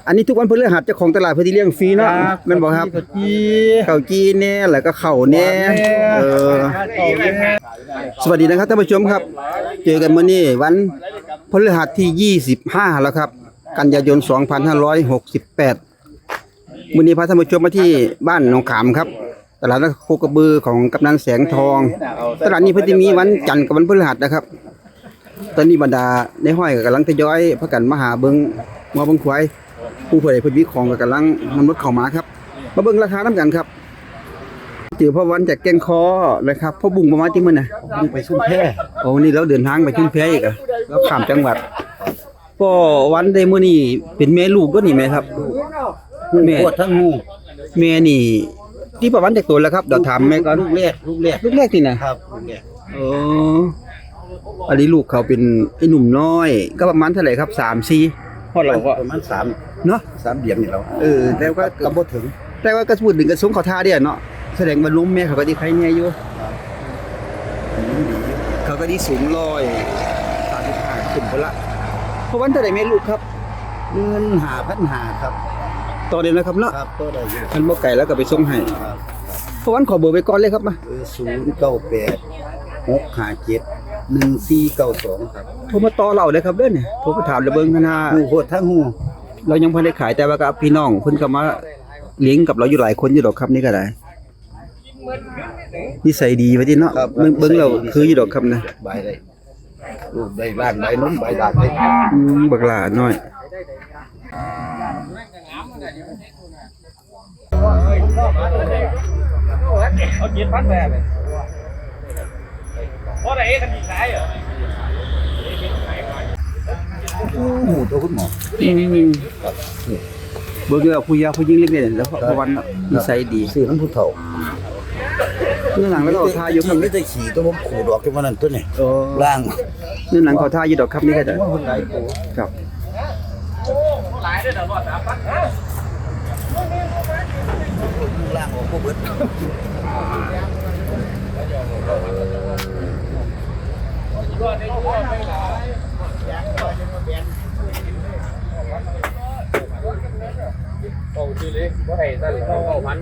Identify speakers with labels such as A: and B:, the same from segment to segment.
A: อันนี้ทุกวันพฤหัสเจ้าของตลาดเพิ่นสิเลี้ยงฟรีเนาะแม่นบ่ครับข้าวจีแน่แล้วก็ข้าวแน่สวัสดีนะครับท่านผู้ชมครับเจอกันมื้อนี้วันพฤหัสที่25แล้วครับกันยายน2568มื้อนี้พาท่านผู้ชมมาที่บ้านหนองขามครับตลาดนัดโคกระบือของกำนันแสงทองตลาดนี้เพิ่นสิมีวันจันทร์กับวันพฤหัสนะครับตอนนี้บรรดาในห้อยก็กำลังทยอยพากันมาหาเบิ่งงัวเบิ่งควายผู้ผู้ใดเพิ่นมีของก็กำลังนำรถเข้ามาครับมาเบิ่งราคานำกันครับเจอพ่อวันจากแก่งคอนะครับพ่อบุ้งประมาณที่มื้อน่ะบุ้งไปชุมแพโอ้นี่เราเดินทางไปชุมแพอีกอ่ะแล้วข้ามจังหวัดพ่อวันได้มื้อนี้เป็นแม่ลูกก็นี่แม่ครับแม่ปวดทั้งหูแม่นี่ที่ประวันจากตัวแล้วครับเดี๋ยวถามแม่ก่อนลูกแรกนี่นะครับลูกแรกอ๋ออันนี้ลูกเขาเป็นไอ้หนุ่มน้อยก็ประมาณเท่าไหร่ครับ3-4พ่อเราก็ประมาณ3เนาะ3เดือนนี่แล้วแต่ว่าก็บ่ถึงแต่ว่าก็พูดถึงกระทรวงเขาท่าเด้เนาะแสดงว่านมแม่เขาก็ดีใครแน่อยู่เขาก็ดีสูง135ขึ้นพุ่นละเพราะวันเท่าไหร่แม่ลูกครับเงิน5,500ครับต่อเดือนนะครับเนาะครับต่อได้อยู่คันบ่ไก่แล้วก็ไปส่งให้เพราะวันขอเบอร์ไว้ก่อนเลยครับมา098-657-1492ครับโทรมาต่อเราเลยครับเด้อเนี่ยโทรไปถามเลยเบิ่งคณะฮู้โคตรทั้งฮู้เรายังบ่ได้ขายแต่ว่าก็พี่น้องเพิ่นก็มาเลี้ยงกับเราอยู่หลายคนอยู่ดอกครับนี่ก็ได้นิสัยดีว่าติเนาะเบิ่งแล้วคืออยู่ดอกครับนะใบได้ลูกได้ล้านใบนมใบดาดได้บักหลาน้อย
B: เอาเจ็ดพันแบบเพราะอะไรกันอีกหลายเหรอ
A: หมูตัวคุณหมอเบิ่งแล้วผู้ยาผู้ยิ่งเล็กเนี่ยแล้วพอวันนิสัยดีซื้อน้ำผู้เฒ่าเนื้อหนังแล้วก็ทาอยู่ครับนี่จะขี่ตัวผมขู่ดอกที่มันนั่นตัวนี่ล่างเนื้อหนังเขาทาอยู่ดอกครับนี่ก็ได้ครับ
B: หลายด้วยเดี๋ยวว่า3,000
A: ล่างออกบ่เบิด
B: โอ้ชื่อเล็กว่าให้ตั้ง9,000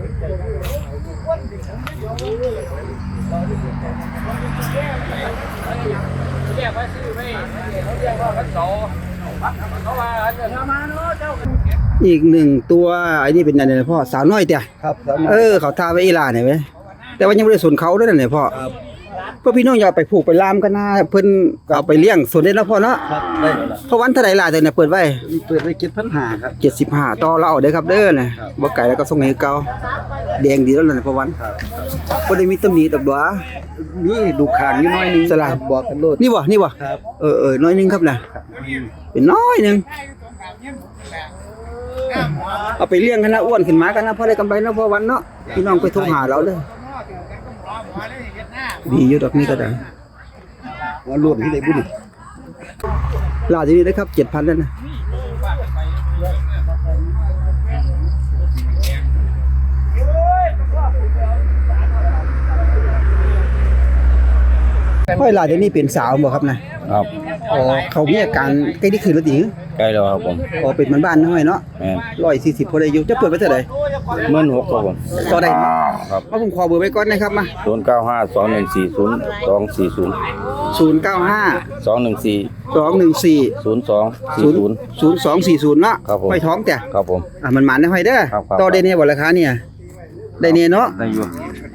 B: เรียกว่าชื่อไม่เขาเรียกว่าพันโตเขาว่าจะมาเนาะเจ้า
A: อีกหนึ่งตัวไอ้นี่เป็นอะไรพ่อสาวน้อยเตี้ยครับเขาทาไว้อีหลาเนี่ยเว้ยแต่ว่ายังไม่ได้สนเขาด้วยนั่นแหละพ่อพวกพี่น้องอย่าไปผูกไปลามกันนะเพิ่นเอาไปเลี้ยงสวนได้แล้วพ่อเนาะได้เพราะวันเท่าไหร่ล่ะแต่เนี่ยเปิดไว้7,500ครับ75ต่อเราเอาเด้อครับเด้อนะบ่ไก่แล้วก็ส่งให้เก่าแดงดีแล้วนั่นเพราะวันบ่ได้มีตำหนิดอกดัวนี่ดูข้างนิดหน่อยนึงสลับบอกกันโลดนี่บ่ครับน้อยนึงครับนะเป็นน้อยนึงเอาไปเลี้ยงกันนะอ้วนขึ้นมากันนะพอได้กำไรเนาะพอวันเนาะพี่น้องไปโทรหาเราเด้อดีอยู่ดอกนี้ก็ได้ว่ารวมที่ได้บุญลาที่นี่ได้ครับ 7,000 แล้วนะค่อยลาที่นี่เป็นสาวบ่ครับนะครับอ๋อเขามีอาการใกล้ที่คืนแล้วดิ
C: ใกล้แล้วครับผม
A: อ๋อเป็นมันบ้านน้อยเนาะ140พอได้อยู่จะเปิดไว้เท่าใด
C: 16,000ครับผม
A: ต่อได้
C: ครับ
A: ผมขอเบอร์ไว้ก่อนนะครับมา
C: 0952140240
A: 0240เนาะห้อยท้องแต่
C: ครับผม
A: มันหมานได้ห้อยเด้อต่อได้เนี่ยบ่ราคาเนี่ยได้เนี่ยเนาะ
C: ได้อยู่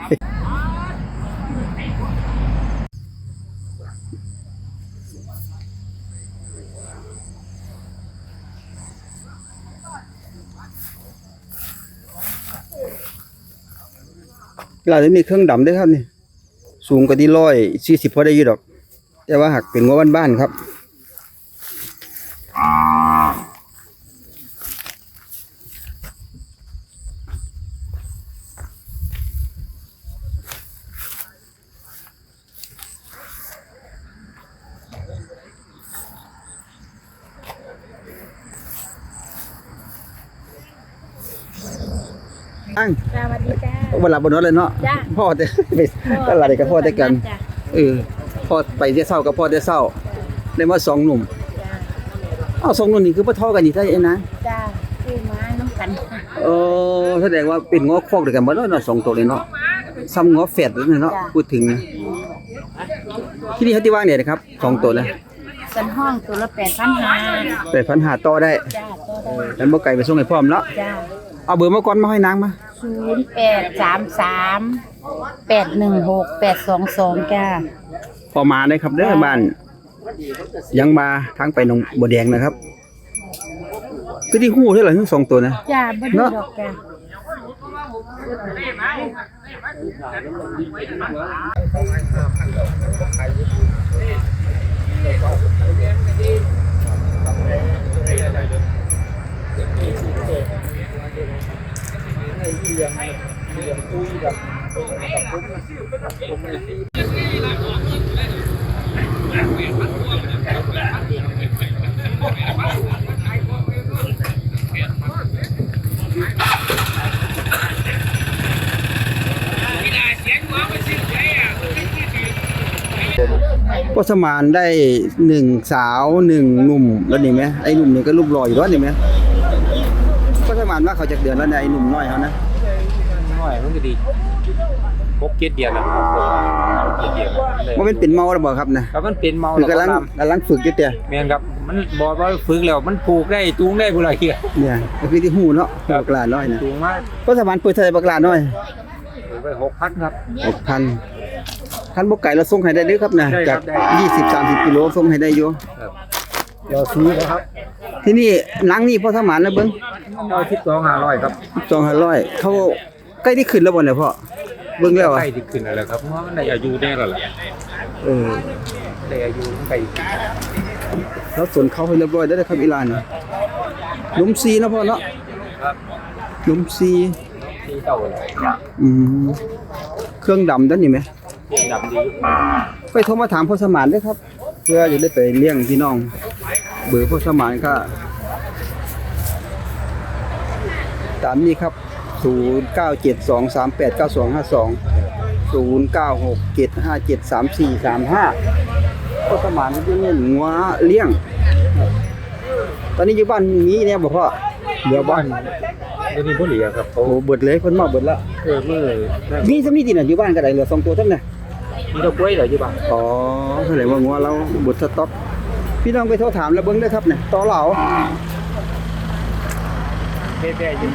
A: เราจะมีเครื่องดำได้ครับนี่สูงกว่าที่140พอได้อยู่ดอกแต่ว่าหักเป็นงัวบ้านๆครับสวัสดีจ้าวันหลับบนรถเลยเนาะพ่อแต่ไปตลาดกับพ่อแต่กันพ่อไปเที่ยวเศร้ากับพ่อเที่ยวเศร้าได้มา2 หนุ่ม2 หนุ่มนี่คือพ่อเท่ากันนี่ได้เองนะ
D: จ้า
A: เออแสดงว่าเป็นง้อคอกเดียวกันบ่เนาะสองตัวเลยเนาะซ้ำง้อแฝดเลยเนาะพูดถึงนะที่นี่เขาที่ว่างเนี่ยนะครับสองตัวนะ
D: สันห้องตัวละ8,500
A: 8,500ต่อได้
D: จ้าตัวได้
A: แล้วบ่ไก่ไปส่งให้พร้อมเนาะ
D: จ้า
A: เอาเบอร์มาก่อนมาให้นางมา
D: 0833816822จ้า
A: พอมาได้ครับเด้อบ้านยังมาทางไปหนองบัวแดงนะครับคือที่ฮู้เท่าไหร่ทั้งสองตัวนะ
D: จ้าบ่ดูดอกจ้า
A: ก็สมานได้1สาว1หนุ่มแล้วนี่ไหมไอ้หนุ่มนี่ก็รูปหล่ออยู่แล้วนี่ไหมก็สมานว่าเขาจากเดือนแล้วเนี่ยไอ้หนุ่มน้อยเขานะ
B: น้อยมันก็ดี6-7 เดือนแล้ว7 เดือนเลย
A: ว่าเป็นเมาแล้วบ่ครับนะครับ
B: มันเป็นเมา
A: คือกำลังฝึกอยู่แต่
B: แม่นครับมันบอกว่าฝึกแล้วมันผูกได้จูงได้พุ่นล่ะเฮีย
A: เนี่ยก็คือที่ฮู้เนาะบักหลาน้อยนะ
B: จูงมา
A: ก็สมานเปิดเท่าไหร่บักหลาน้อย
B: ไป6,000ครับ
A: 6,000คันบ่ไก่เราส่งให้ได้เด้อครับนะ
B: ได้ค
A: จา
B: รั
A: ก
B: บได้
A: 20-30 กิโลส่งให้ได้อยู่
B: เราซื้อนะครับ
A: ที่นี่หลังนี่พ่อสมานนะเบิ่ง
B: เอา12,500ครับ
A: 2,500เขาใกล้ที่ขึ้นแล้วบ่เนี่ยพ่อเบิ่งแล้วอ่ะ
B: ใกล้ที่ขึ้นแล้วครับเพราะว่ามันได้อายุแน่แล้วล่ะ
A: เออ
B: ได้อายุมันใกล้
A: แล้วสวนเขาให้เรียบร้อยได้วครับอีหลานน่ะหลุมซีเนาะพ่อเนาะ
B: ครับ
A: หลุมซี
B: ที่เก่าเลย
A: เครื่องดำด้านนี่ไหม
B: เรียนดำดี
A: ไปโทรมาถามพ่อสมานด้วยครับ เพื่อจะได้ไปเลี้ยงพี่น้อง เบอร์พ่อสมานก็ตามนี้ครับ 0972389252 0967573435พ่อสมานจะเน้นงัวเลี้ยง ตอนนี้อยู่บ้านนี้เนี่ยบ่พ่อเหลือบ้าน
B: เดี๋ยวนี้บ่เหลือครับ
A: โอ้เบิดเลยเพิ่นมาเบิดละ
B: มื้อ
A: มีสำนี้ติน่ะอยู่บ้านก็ได้เหลือ2ตัวเท่านั้นน่ะ
B: มีดอกกล้วยเหลืออยู่บ่า
A: อ๋อแสดงว่างัวเราเบิดสต็อกพี่น้องไปโทรถามแล้วเบิ่งเด้อครับเนี่ยต่อเหลา
B: แบ่ๆอยู่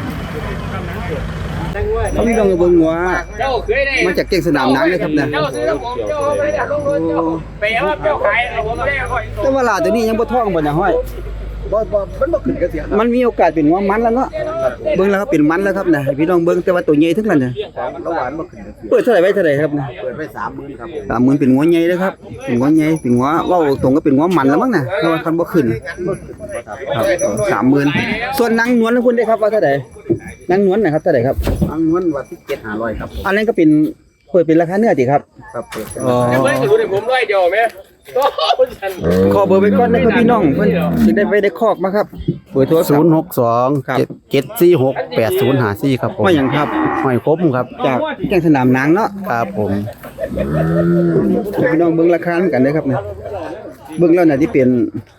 A: เขาพี่น้องไปเบิ่งงัว
B: เจ้าเคยได้
A: มาจากเก่งสนามหนังเลยครับเนี่ย
B: เจ้าซื้อผมเจ้าไม่ได้ลงรถเจ้าไปเอาเจ้าขายเอาผมไม่ได้ค่อย
A: แต่ว่าหลาตัวนี้ยังบ่ท้องบ่น่ะห้อยมันบ่ขึ้นกระเสียมันมีโอกาสเป็นงัวมันแล้วเนาะเบิ่งแล้วครับเป็นมันแล้วครับเนี่ยให้พี่น้องเบิ่งแต่ว่าตัวใหญ่ทั้งนั้นน่ะ
B: ระหว่างบ่ขึ้น
A: เปิดเท่าไหร่ไว้เท่าไหร่ครับเนี่ย
B: เปิดไป30,000ครับ
A: 30,000เป็นงัวใหญ่เด้อครับเป็นงัวใหญ่เป็นงัวเว้าตรงก็เป็นงัวมันแล้วมั้งน่ะเพราะว่าคันบ่ขึ้นครับ30,000ส่วนนางนวลนะคุณได้ครับว่าเท่าไหร่นางนวลน่ะครับเท่าไหร่ครับ
B: อังนวนว่า17,500ครับ
A: อันนั้นก็เป็นเปิดเป็นราคาเนื้อติครับ
B: ครับเปิด
A: อ๋อ
B: เฮ้ยดูดิผมด้วยเดียวมั้ยโอ้ฉัน
A: ขอเบอร์ไว้ก่อนนะครับพี่น้องเพิ่นสิได้ไปได้คอกมาครับเบอร์โทรศัพท์
C: 062
A: ครับ
C: 746 8054ครับผม
A: ว่าหยังครับ
C: ห้อยคมครับ
A: จากแก่งสนามนางเนาะ
C: ครับผม
A: ให้พี่น้องเบิ่งราคานำกันเด้อครับเนี่ยเบิ่งแล้วน่ะที่เป็น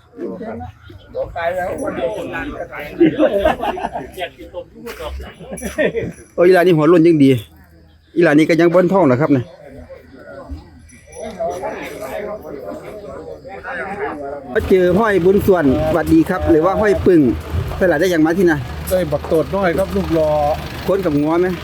A: โอ้ยอีหลานนี่หัวโล้นยังดีอีหลานนี่ก็ยังบ่นท้องนะครับเนี่ยมาเจอห้อยบุญส่วนสวัสดีครับ หรือว่าห้อยปึ่งตลาดได้อย่างมาที่น่ะ
E: ได้บักโตดน้อยครับลูกรอ
A: คนกับงัวไหม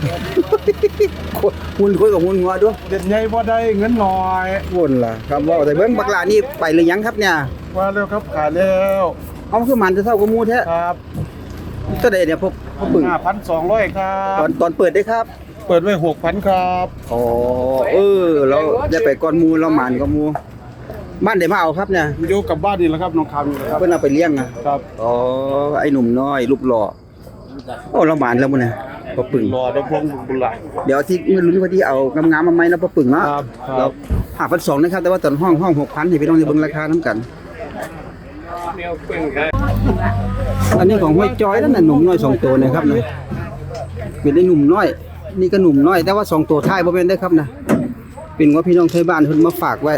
A: หุ่นคนกับหุ่นงัวด้วย
E: เด็ดใหญ่บ่ได้เงินน้อย
A: วุ่นล่ะครับว่าแต่เบิ่งบักหลานี่ไปหรือยังครับเนี่ย
E: ว่าแล้วครับขายแล้ว
A: เอาคือมันจะเท่ากับหมูแท้
E: ครับ
A: ก็ได้เนี่ยพอปึ่ง
E: 5,200 ครั
A: ตอนเปิดได้ครับ
E: เปิดไว้ 6,000 ครับ
A: อ๋อเราจะไปก่อนหมูเราหมันกับหมูบ้านได้มาเอาครับเนี่ย
E: อยู่กับบ้านนี่แหละครับน้องคำนี่แหละครับ
A: เพิ่นเอาไปเลี้ยงอ่ะ
E: ครับ
A: อ๋อไอ้หนุ่มน้อยรูปหล่อโอ้เราหมันแล้วมื้อนี้พอปึ่ง
E: รอดำพงบุญหลาย
A: เดี๋ยวที่มื้อลุ้นว่าที่เอางามๆมาใหม่นะพอปึ่งเนาะ
E: ครับค
A: เรา
E: รับ
A: 5,200นะครับแต่ว่าตอนห้อง 6,000ให้พี่น้องได้เบิ่งราคานํกัน
B: แนวปึ้งครับ
A: อันนี้ของห้วยจ้อยนั่นน่ะหนุ่มน้อย2ตัวนะครับนะเป็นได้หนุ่มน้อย นี่ก็หนุ่มน้อยแต่ว่า2ตัวท้ายบ่แม่นได้อครับนะเป็นว่าพี่น้องไทยบ้านเพิ่นมาฝากไว้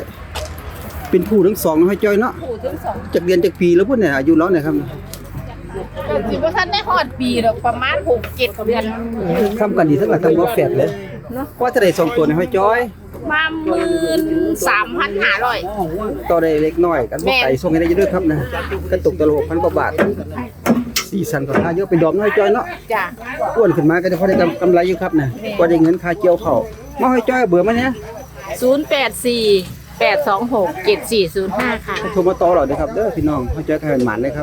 A: เป็นผู้ทั้งสองนะห้วยจ้อยเนาะ
D: ผู้ถึง2
A: จากเรียนจากปีแล้วพุ่นเนี่ยอายุแล้วเนี่ยครับ
D: ก็
F: สิบ่ทันได้ฮอดปีดอกประมาณ6-7 เดือน
A: ทำกันดีทั้งหลายทั้งบ่แฝดเลยว่าจะได้2ตัวในห้อยจ้อย
F: มา13,500
A: ต่อได้เล็กน้อยกันบ่ไก่ส่งให้ได้เยอะด้วยครับนะกันตกตล6,000กว่าบาทสีสันของค่าเยอะเป็นดอกน้อยจ้อยเนาะ
F: จ้ะ
A: อ้วนขึ้นมาก็จะพอได้กำไรอยู่ครับนะก็ได้เงินค่าเกี่ยวข้าวมาห้อยจ้อยเบื่อมั้ยเนี่ย
F: 084-826-7405 ค่ะ
A: โทรมาต่อเราเด้อครับเด้อพี่น้องห้อยจ้อยขยันหมานเลยครับ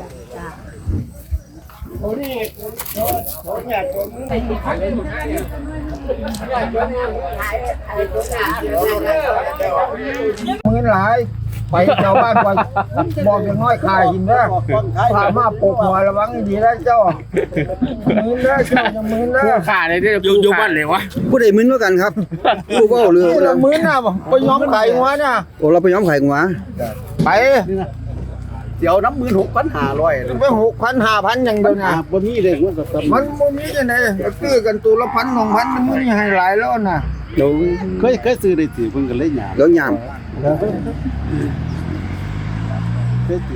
A: มื้อหลายไปชาวบ้านก่อนบอกอย่างน้อยขายกินเด้อถามมาปกหัวระวังดีนะเจ้ามื้อเด้อเจ้าจะมื้อเด้อ
B: ขาเลยอยู่บ้านเลยวะ
A: ผู้ใดมื้อกันครับผู้เว้าเรื่อง
E: มื้อน่ะไปย้อมไข่หัวน่ะ
A: โอ้เราไปย้อมไข่งัว
E: ไป
C: เดี๋ยวน้ำมือ6,500
E: ไป6,000 5,000อย่างเดียวนะ
C: บ่มีเลยมันก็ตำ
E: มันบ่มีจังได๋ซื้อกันตัวละ1,000 2,000มันมีให้หลายแล้วน่ะ
A: เดี๋ยว
C: เคยซื้อได้สิเพิ่นก็เลยหยาม
A: เดี๋ยวยาม
C: เคย